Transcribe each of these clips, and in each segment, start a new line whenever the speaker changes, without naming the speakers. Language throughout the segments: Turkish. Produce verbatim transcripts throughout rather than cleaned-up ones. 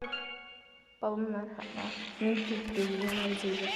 Babam merhaba. Mümkün bilgilerini izleyeceğiz.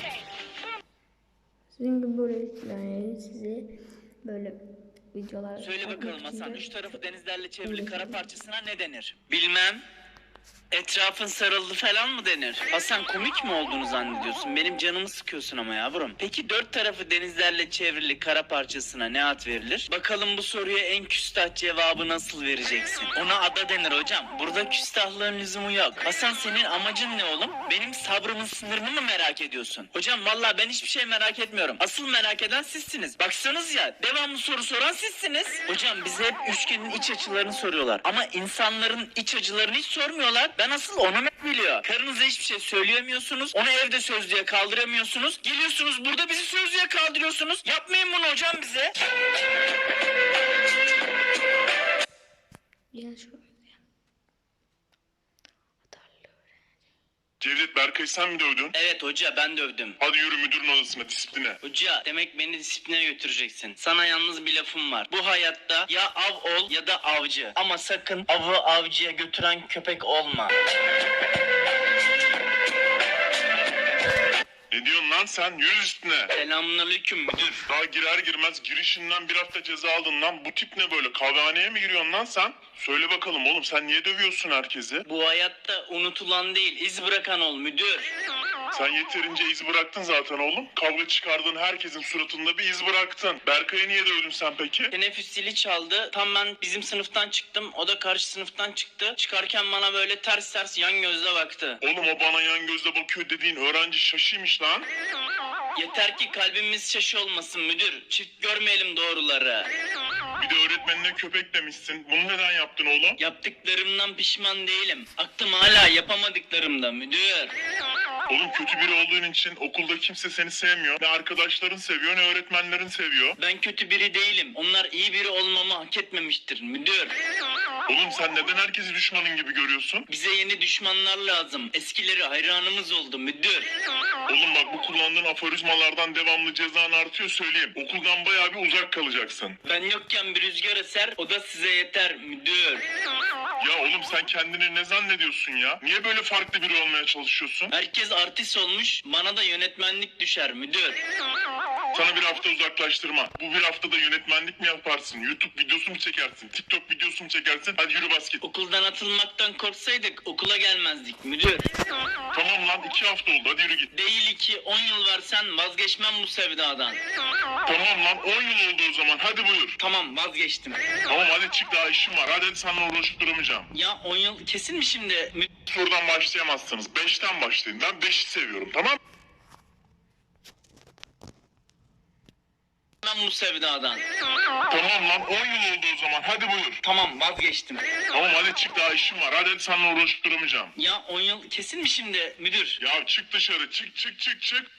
Sizin gibi böyle yani size böyle videolar...
Söyle bakalım Hasan, üç tarafı denizlerle çevrili kara parçasına ne denir? Bilmem. Etrafın sarıldı falan mı denir? Hasan, komik mi olduğunu zannediyorsun? Benim canımı sıkıyorsun ama yavrum. Peki dört tarafı denizlerle çevrili kara parçasına ne ad verilir? Bakalım bu soruya en küstah cevabı nasıl vereceksin? Ona ada denir hocam. Burada küstahlığın lüzumu yok. Hasan, senin amacın ne oğlum? Benim sabrımın sınırını mı merak ediyorsun? Hocam vallahi ben hiçbir şey merak etmiyorum. Asıl merak eden sizsiniz. Baksanız ya, devamlı soru soran sizsiniz. Hocam bize hep üçgenin iç açılarını soruyorlar. Ama insanların iç açılarını hiç sormuyorlar. Ben asıl onu ne biliyor? Karınıza hiçbir şey söyleyemiyorsunuz. Onu evde sözlüğe kaldıramıyorsunuz. Geliyorsunuz burada bizi sözlüğe kaldırıyorsunuz. Yapmayın bunu hocam bize.
Gel şuraya.
Cevdet, Berkay'ı sen mi dövdün?
Evet hoca, ben dövdüm.
Hadi yürü müdürün odasına, disipline.
Hoca, demek beni disipline götüreceksin. Sana yalnız bir lafım var. Bu hayatta ya av ol ya da avcı. Ama sakın avı avcıya götüren köpek olma.
Ne diyorsun lan sen? Yürü üstüne.
Selamünaleyküm müdür.
Daha girer girmez girişinden bir hafta ceza aldın lan. Bu tip ne böyle? Kahvehaneye mi giriyorsun lan sen? Söyle bakalım oğlum, sen niye dövüyorsun herkesi?
Bu hayatta unutulan değil, iz bırakan ol müdür.
Sen yeterince iz bıraktın zaten oğlum. Kavga çıkardığın herkesin suratında bir iz bıraktın. Berkay'ı niye dövdün sen peki?
Teneffüs zili çaldı. Tam ben bizim sınıftan çıktım. O da karşı sınıftan çıktı. Çıkarken bana böyle ters ters yan gözle baktı.
Oğlum, o bana yan gözle bakıyor dediğin öğrenci şaşıymış lan.
Yeter ki kalbimiz şaşı olmasın müdür. Çift görmeyelim doğruları.
Bir de öğretmenine köpek demişsin. Bunu neden yaptın oğlum?
Yaptıklarımdan pişman değilim. Aklım hala yapamadıklarımda müdür.
Oğlum, kötü biri olduğun için okulda kimse seni sevmiyor. Ne arkadaşların seviyor ne öğretmenlerin seviyor.
Ben kötü biri değilim. Onlar iyi biri olmamı hak etmemiştir müdür.
Oğlum, sen neden herkesi düşmanın gibi görüyorsun?
Bize yeni düşmanlar lazım. Eskileri hayranımız oldu müdür.
Oğlum bak, bu kullandığın aforizmalardan devamlı cezan artıyor, söyleyeyim. Okuldan bayağı bir uzak kalacaksın.
Ben yokken bir rüzgar eser, o da size yeter müdür.
Ya oğlum, sen kendini ne zannediyorsun ya? Niye böyle farklı biri olmaya çalışıyorsun?
Herkes artist olmuş, bana da yönetmenlik düşer müdür.
Sana bir hafta uzaklaştırma. Bu bir haftada yönetmenlik mi yaparsın? YouTube videosu mu çekersin? TikTok videosu mu çekersin? Hadi yürü bas git.
Okuldan atılmaktan korksaydık okula gelmezdik müdür.
Tamam lan, iki hafta oldu, hadi yürü git.
Değil ki on yıl versen vazgeçmem bu sevdadan.
Tamam lan, on yıl oldu o zaman, hadi buyur.
Tamam, vazgeçtim.
Tamam hadi çık, daha işim var. Hadi, hadi seninle uğraşıp duramayacağım.
Ya on yıl kesin mi şimdi? Mü-
Buradan başlayamazsınız. Beşten başlayın. Ben beşi seviyorum, tamam mı?
Ben bu sevdadan.
Tamam lan, on yıl oldu o zaman, hadi buyur.
Tamam, vazgeçtim.
Tamam hadi çık, daha işim var. Hadi, hadi seninle uğraşıp duramayacağım.
Ya on yıl kesin mi şimdi müdür?
Ya çık dışarı, çık çık çık çık.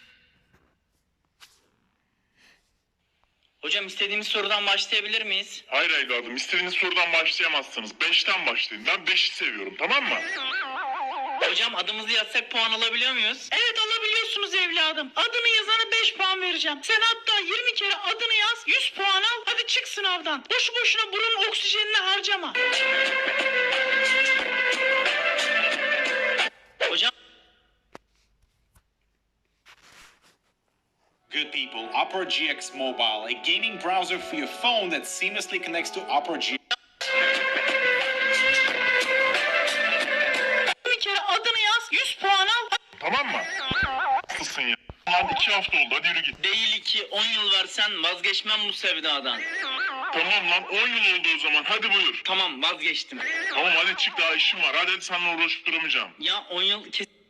Hocam, istediğimiz sorudan başlayabilir miyiz?
Hayır evladım, istediğiniz sorudan başlayamazsınız. Beşten başlayın. Ben beşi seviyorum, tamam mı?
Hocam, adımızı yazsak puan alabiliyor muyuz? Evet, alabiliyorsunuz evladım. Adını yazana beş puan vereceğim. Sen hatta yirmi kere adını yaz, yüz puan al. Hadi çık sınavdan. Boşu boşuna burun oksijenini harcama. Hocam.
Good people, Opera G X Mobile, a gaming browser for your phone that seamlessly connects to Opera G X.
Bir kere adını yaz, yüz puan al.
Tamam mı? Haklısın ya. Lan iki hafta oldu, hadi yürü git.
Değil ki on yıl versen vazgeçmem bu sevdadan.
Tamam lan, on yıl oldu o zaman, hadi buyur.
Tamam, vazgeçtim.
Tamam hadi çık, daha işim var. Hadi, hadi seninle uğraşıp duramayacağım.
Ya on yıl kesin...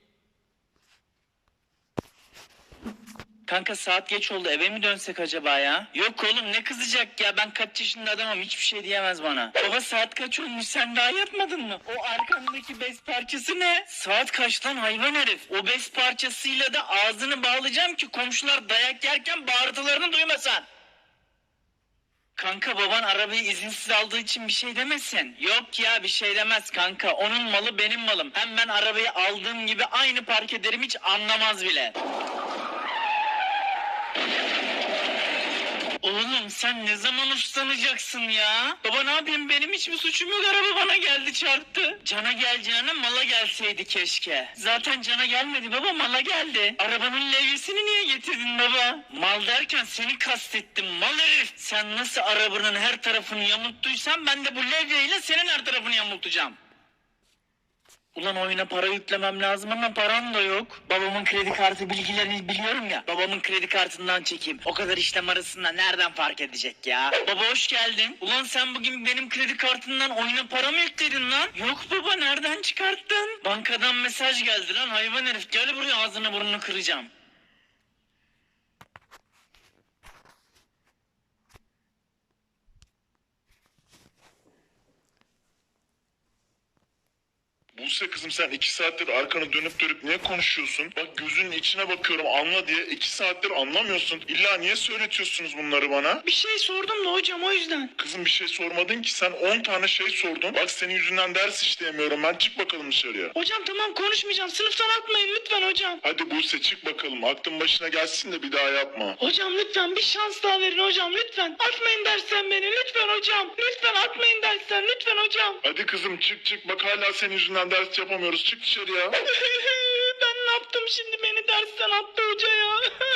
Kanka, saat geç oldu, eve mi dönsek acaba ya? Yok oğlum, ne kızacak ya, ben kaç yaşında adamım, hiçbir şey diyemez bana. Baba, saat kaç olmuş, sen daha yatmadın mı? O arkandaki bez parçası ne? Saat kaç lan hayvan herif? O bez parçasıyla da ağzını bağlayacağım ki komşular dayak yerken bağırtılarını duymasan. Kanka, baban arabayı izinsiz aldığı için bir şey demesin. Yok ya, bir şey demez kanka, onun malı benim malım. Hem ben arabayı aldığım gibi aynı park ederim, hiç anlamaz bile. Oğlum sen ne zaman uslanacaksın ya? Baba ne yapayım, benim hiçbir suçum yok, araba bana geldi çarptı. Cana geleceğine mala gelseydi keşke. Zaten cana gelmedi baba, mala geldi. Arabanın levyesini niye getirdin baba? Mal derken seni kastettim mal herif. Sen nasıl arabanın her tarafını yamulttuysan ben de bu levyeyle senin her tarafını yamultacağım. Ulan oyuna para yüklemem lazım ama param da yok. Babamın kredi kartı bilgilerini biliyorum ya. Babamın kredi kartından çekeyim. O kadar işlem arasında nereden fark edecek ya? Baba hoş geldin. Ulan sen bugün benim kredi kartından oyuna para mı yükledin lan? Yok baba, nereden çıkarttın? Bankadan mesaj geldi lan hayvan herif. Gel buraya, ağzını burnunu kıracağım.
Buse kızım, sen iki saattir arkanı dönüp dönüp niye konuşuyorsun? Bak gözünün içine bakıyorum, anla diye iki saattir anlamıyorsun. İlla niye söyletiyorsunuz bunları bana?
Bir şey sordum da hocam, o yüzden.
Kızım bir şey sormadın ki, sen on tane şey sordun. Bak senin yüzünden ders işleyemiyorum ben, çık bakalım dışarıya.
Hocam tamam, konuşmayacağım. Sınıftan atmayın lütfen hocam.
Hadi Buse çık bakalım, aklın başına gelsin de bir daha yapma.
Hocam lütfen bir şans daha verin hocam, lütfen. Atmayın dersten beni lütfen hocam. Lütfen atmayın dersten lütfen hocam.
Hadi kızım çık çık, bak hala senin yüzünden ders yapamıyoruz, çık dışarıya.
Ben ne yaptım şimdi, beni dersten attı hoca ya.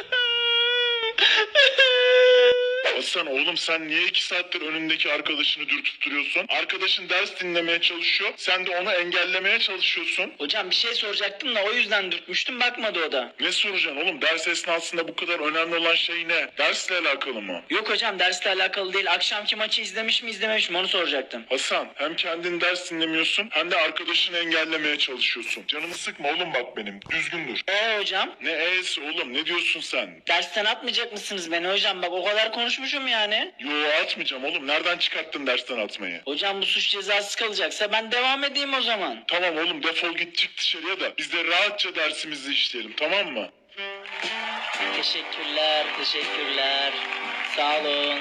Hasan oğlum, sen niye iki saattir önündeki arkadaşını dürtüp duruyorsun? Arkadaşın ders dinlemeye çalışıyor, sen de onu engellemeye çalışıyorsun.
Hocam bir şey soracaktım da o yüzden dürtmüştüm, bakmadı o da.
Ne soracaksın oğlum? Ders esnasında bu kadar önemli olan şey ne? Dersle alakalı mı?
Yok hocam, dersle alakalı değil. Akşamki maçı izlemiş mi izlememiş mi onu soracaktım.
Hasan, hem kendin ders dinlemiyorsun hem de arkadaşını engellemeye çalışıyorsun. Canımı sıkma oğlum bak benim. Düzgün dur.
Ee hocam?
Ne e'si oğlum? Ne diyorsun sen?
Dersten atmayacak mısınız beni hocam? Bak o kadar konuşmuşum yani.
Yo atmayacağım oğlum. Nereden çıkarttın dersten atmayı?
Hocam bu suç cezası kalacaksa ben devam edeyim o zaman.
Tamam oğlum, defol git çık dışarıya da biz de rahatça dersimizi işleyelim, tamam mı?
Teşekkürler, teşekkürler. Sağ olun.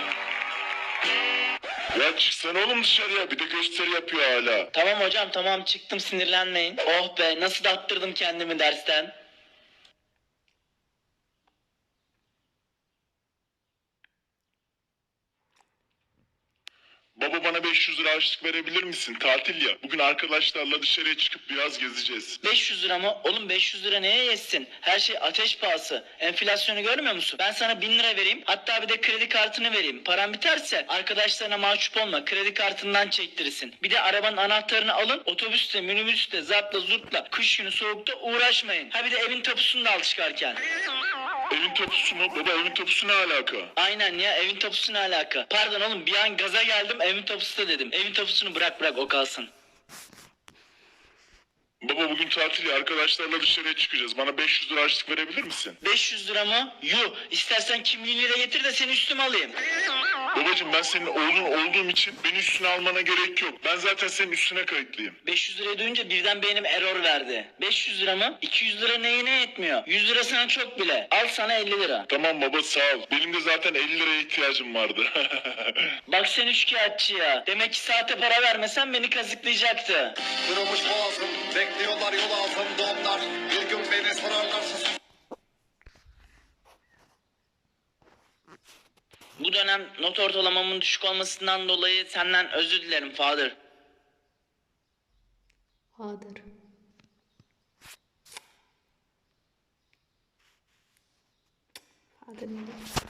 Ya çıksana oğlum dışarıya, bir de gösteri yapıyor hala.
Tamam hocam tamam, çıktım, sinirlenmeyin. Oh be, nasıl da attırdım kendimi dersten.
Baba bana beş yüz lira harçlık verebilir misin? Tatil ya. Bugün arkadaşlarla dışarıya çıkıp biraz gezeceğiz.
beş yüz lira mı? Oğlum beş yüz lira neye yetsin? Her şey ateş pahası. Enflasyonu görmüyor musun? Ben sana bin lira vereyim. Hatta bir de kredi kartını vereyim. Paran biterse arkadaşlarına mahcup olma. Kredi kartından çektirirsin. Bir de arabanın anahtarını alın. Otobüste, minibüste, zartla zurtla, kış günü soğukta uğraşmayın. Ha bir de evin tapusunu da al çıkarken.
Evin tapusu mu? Baba evin tapusu ne alaka?
Aynen ya, evin tapusu ne alaka? Pardon oğlum, bir an gaza geldim, evin tapusu da dedim. Evin tapusunu bırak bırak, o kalsın.
Baba bugün tatil ya, arkadaşlarla dışarıya çıkacağız. Bana beş yüz lira harçlık verebilir misin?
beş yüz lira mı? Yuh, istersen kimliğini de getir de seni üstüme alayım.
Babacığım ben senin oğlun olduğum için beni üstüne almana gerek yok. Ben zaten senin üstüne kayıtlıyım.
beş yüz lirayı duyunca birden beynim error verdi. beş yüz lira mı? iki yüz lira neyine yetmiyor? yüz lira sana çok bile. Al sana elli lira.
Tamam baba sağ ol. Benim de zaten elli liraya ihtiyacım vardı.
Bak sen üçkağıtçı ya. Demek ki saate para vermesen beni kazıklayacaktı.
Kırılmış boğazım, bekliyorlar yol altında onlar. Bir gün beni sorarlarsa sus.
Bu dönem not ortalamamın düşük olmasından dolayı senden özür dilerim Father.
Hadır. Hadır ne?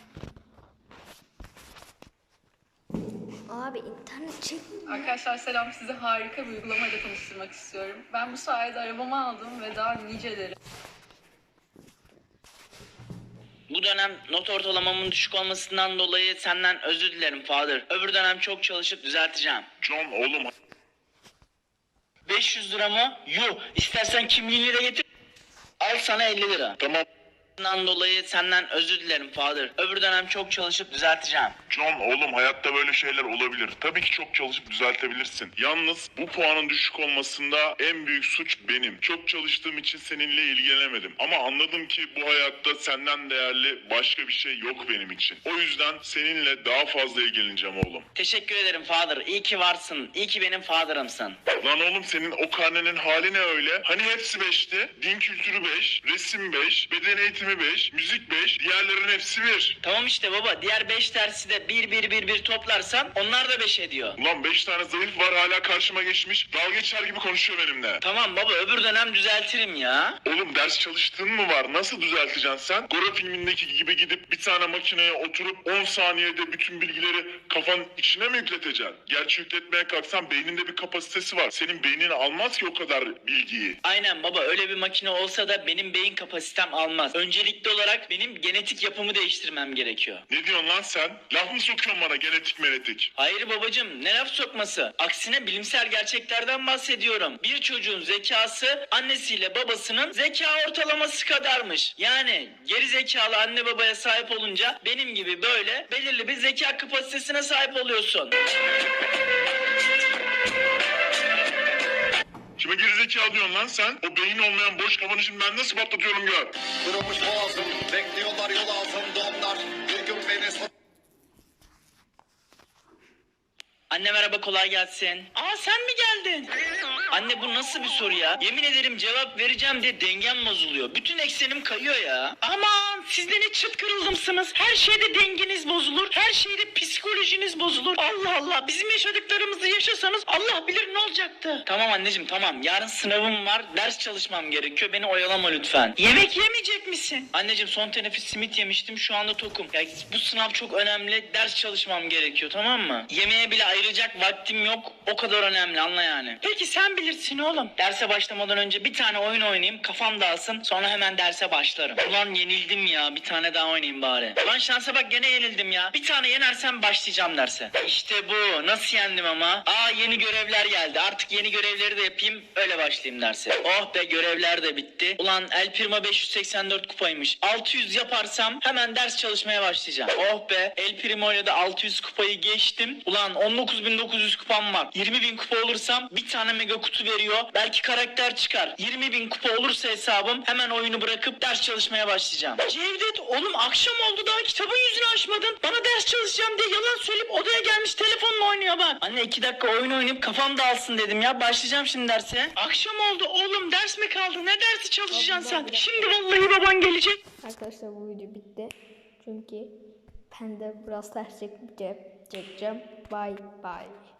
Abi internet çekmiyor.
Arkadaşlar selam, size harika bir uygulamayla tanıştırmak istiyorum. Ben bu sayede arabamı aldım ve daha niceleri.
Bu dönem not ortalamamın düşük olmasından dolayı senden özür dilerim Father. Öbür dönem çok çalışıp düzelteceğim.
John oğlum.
beş yüz lira mı? Yuh, istersen kimliğini de getir. Al sana elli lira.
Tamam.
Bundan dolayı senden özür dilerim Father. Öbür dönem çok çalışıp düzelteceğim.
John oğlum, hayatta böyle şeyler olabilir. Tabii ki çok çalışıp düzeltebilirsin. Yalnız bu puanın düşük olmasında en büyük suç benim. Çok çalıştığım için seninle ilgilenemedim. Ama anladım ki bu hayatta senden değerli başka bir şey yok benim için. O yüzden seninle daha fazla ilgileneceğim oğlum.
Teşekkür ederim Father. İyi ki varsın. İyi ki benim Father'ımsın.
Lan oğlum senin o karnenin hali ne öyle? Hani hepsi beşti? Din kültürü beş, resim beş, beden eğitimi Öğretimi beş, müzik beş, diğerlerin hepsi bir.
Tamam işte baba, diğer beş dersi de bir bir bir bir toplarsan onlar da beş ediyor.
Ulan beş tane zayıf var hala karşıma geçmiş. Dalga geçer gibi konuşuyor benimle.
Tamam baba, öbür dönem düzeltirim ya.
Oğlum ders çalıştığın mı var? Nasıl düzelteceksin sen? Gora filmindeki gibi gidip bir tane makineye oturup on saniyede bütün bilgileri kafanın içine mi yükleteceksin? Gerçi yükletmeye kalksan beyninde bir kapasitesi var. Senin beynin almaz ki o kadar bilgiyi.
Aynen baba, öyle bir makine olsa da benim beyin kapasitem almaz. Öncelikli olarak benim genetik yapımı değiştirmem gerekiyor.
Ne diyorsun lan sen? Laf mı sokuyorsun bana genetik menetik?
Hayır babacım, ne laf sokması? Aksine bilimsel gerçeklerden bahsediyorum. Bir çocuğun zekası annesiyle babasının zeka ortalaması kadarmış. Yani geri zekalı anne babaya sahip olunca benim gibi böyle belirli bir zeka kapasitesine sahip oluyorsun.
Kime gerizekalı diyorsun lan sen? O beyin olmayan boş kafanı şimdi ben nasıl patlatıyorum gör.
Kırılmış boğazım, bekliyorlar yol altında onlar. Bir gün beni
Anne merhaba, kolay gelsin. Aa sen mi geldin? Anne bu nasıl bir soru ya? Yemin ederim cevap vereceğim diye dengem bozuluyor. Bütün eksenim kayıyor ya. Aman siz de ne çıt kırıldımsınız. Her şeyde dengeniz bozulur. Her şeyde psikolojiniz bozulur. Allah Allah, bizim yaşadıklarımızı yaşasanız Allah bilir ne olacaktı. Tamam anneciğim tamam. Yarın sınavım var. Ders çalışmam gerekiyor. Beni oyalama lütfen. Yemek yemeyecek misin? Anneciğim son teneffüs simit yemiştim. Şu anda tokum. Ya bu sınav çok önemli. Ders çalışmam gerekiyor, tamam mı? Yemeğe bile ayıracak vaktim yok. O kadar önemli, anla yani. Peki sen bilirsin oğlum. Derse başlamadan önce bir tane oyun oynayayım. Kafam dağılsın. Sonra hemen derse başlarım. Ulan yenildim ya. Bir tane daha oynayayım bari. Ulan şansa bak, gene yenildim ya. Bir tane yenersem başlayacağım derse. İşte bu. Nasıl yendim ama? Aa yeni görevler geldi. Artık yeni görevleri de yapayım. Öyle başlayayım derse. Oh be, görevler de bitti. Ulan El Primo beş yüz seksen dört kupaymış. altı yüz yaparsam hemen ders çalışmaya başlayacağım. Oh be, El Primo ile de altı yüz kupayı geçtim. Ulan on dokuz bin dokuz yüz kupam var. yirmi bin kupa olursam bir tane mega kutu veriyor. Belki karakter çıkar. yirmi bin kupa olursa hesabım hemen oyunu bırakıp ders çalışmaya başlayacağım. Cevdet oğlum, akşam oldu daha kitabın yüzünü açmadın. Bana ders çalışacağım diye yalan söyleyip odaya gelmiş telefonla oynuyor bak. Anne iki dakika oyun oynayıp kafam dağılsın dedim ya. Başlayacağım şimdi derse. Akşam oldu oğlum, ders mi kaldı? Ne dersi çalışacaksın sen? Şimdi vallahi baban gelecek.
Arkadaşlar bu video bitti. Çünkü ben de biraz ders çekeceğim. Bye bye.